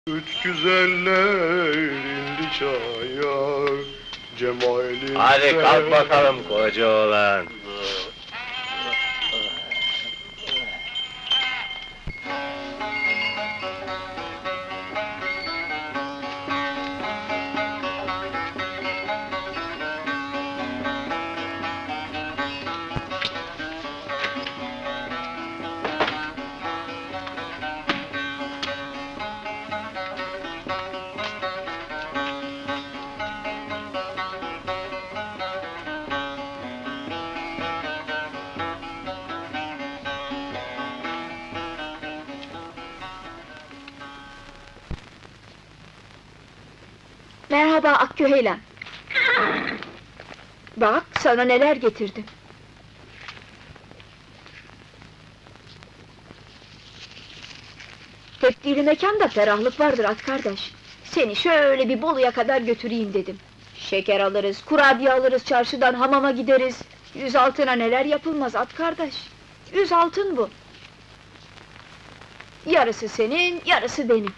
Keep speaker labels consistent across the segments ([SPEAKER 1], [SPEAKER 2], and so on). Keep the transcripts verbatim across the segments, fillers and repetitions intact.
[SPEAKER 1] Üç güzeller indi çaya, cemalin.
[SPEAKER 2] Hadi kalk bakalım koca oğlan.
[SPEAKER 3] Merhaba Akgüheylan. Bak, sana neler getirdim. Tepdili mekanda ferahlık vardır at kardeş. Seni şöyle bir Bolu'ya kadar götüreyim dedim. Şeker alırız, kurabiye alırız, çarşıdan hamama gideriz. Yüz altına neler yapılmaz at kardeş. Yüz altın bu. Yarısı senin, yarısı benim.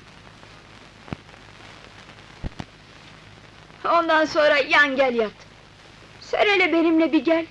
[SPEAKER 3] Ondan sonra yan gel yat. Sen hele benimle bir gel.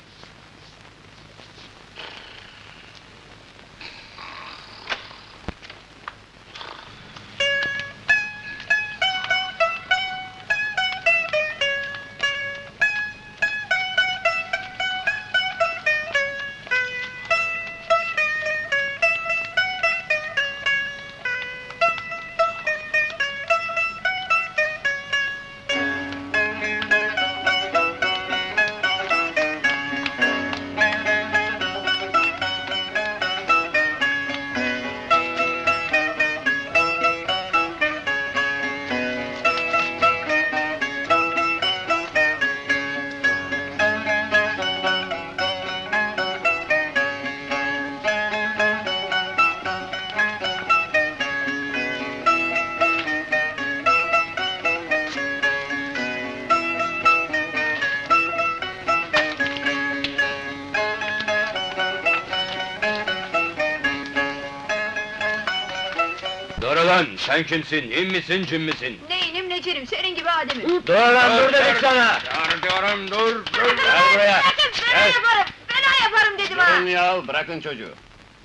[SPEAKER 2] Dur ulan, sen kimsin, in misin, cin misin?
[SPEAKER 3] Neyinim necerim, senin gibi ademim.
[SPEAKER 2] Dur lan, dur dedik sana!
[SPEAKER 1] Dur diyorum, dur, dur!
[SPEAKER 2] Gel buraya!
[SPEAKER 3] Bırakın, fena
[SPEAKER 2] Gel.
[SPEAKER 3] yaparım, fena yaparım dedim ha!
[SPEAKER 2] Durun ya, bırakın çocuğu!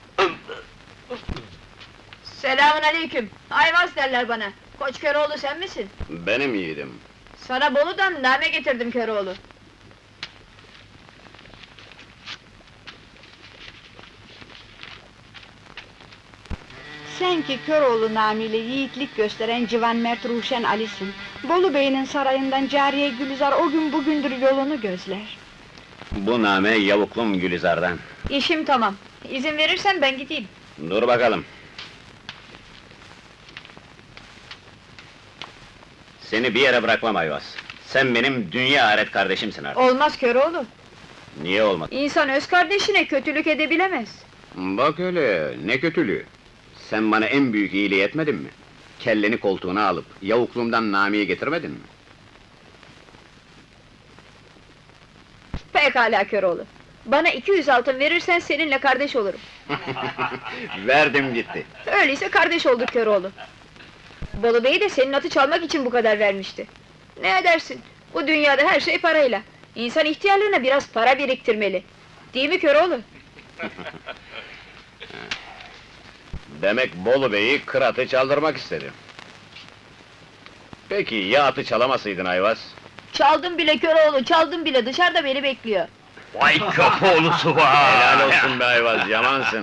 [SPEAKER 3] Selamun aleyküm, Ayvaz derler bana. Koç Köroğlu sen misin?
[SPEAKER 2] Benim yiğidim.
[SPEAKER 3] Sana Bolu'dan name getirdim Köroğlu.
[SPEAKER 4] Sen ki Köroğlu namıyla yiğitlik gösteren Civan Mert Ruşen Ali'sin. Bolu Bey'in sarayından Cariye Gülizar o gün bugündür yolunu gözler.
[SPEAKER 2] Bu name yavuklum Gülizar'dan.
[SPEAKER 3] İşim tamam, izin verirsen ben gideyim.
[SPEAKER 2] Dur bakalım. Seni bir yere bırakmam Ayvaz. Sen benim dünya ahiret kardeşimsin artık.
[SPEAKER 3] Olmaz Köroğlu,
[SPEAKER 2] Niye olmadı?
[SPEAKER 3] İnsan öz kardeşine kötülük edebilemez.
[SPEAKER 2] Bak öyle, ne kötülüğü! Sen bana en büyük iyiliği etmedin mi? Kelleni koltuğuna alıp, yavukluğumdan namiyi getirmedin mi?
[SPEAKER 3] Pekala Köroğlu, bana iki yüz altın verirsen seninle kardeş olurum.
[SPEAKER 2] Verdim gitti.
[SPEAKER 3] Öyleyse kardeş olduk Köroğlu. Bolu Bey de senin atı çalmak için bu kadar vermişti. Ne edersin? Bu dünyada her şey parayla. İnsan ihtiyarlığına biraz para biriktirmeli. Değil mi Köroğlu?
[SPEAKER 2] Demek Bolu Bey'i kıratı çaldırmak istedi. Peki ya atı çalamasaydın Ayvaz?
[SPEAKER 3] Çaldım bile Köroğlu, çaldım bile, dışarıda beni bekliyor.
[SPEAKER 2] Vay köpoğlusu var! Helal olsun be Ayvaz, yamansın!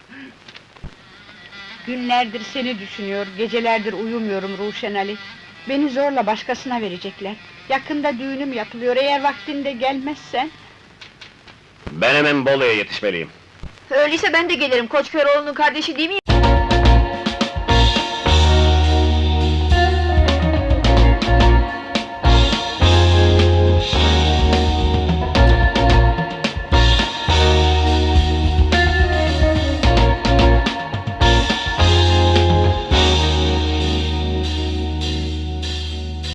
[SPEAKER 4] Günlerdir seni düşünüyor, gecelerdir uyumuyorum Ruşen Ali. Beni zorla başkasına verecekler. Yakında düğünüm yapılıyor, eğer vaktinde gelmezsen...
[SPEAKER 2] Ben hemen Bolu'ya yetişmeliyim.
[SPEAKER 3] Öyleyse ben de gelirim, Koç Köroğlu'nun kardeşi değil miyim?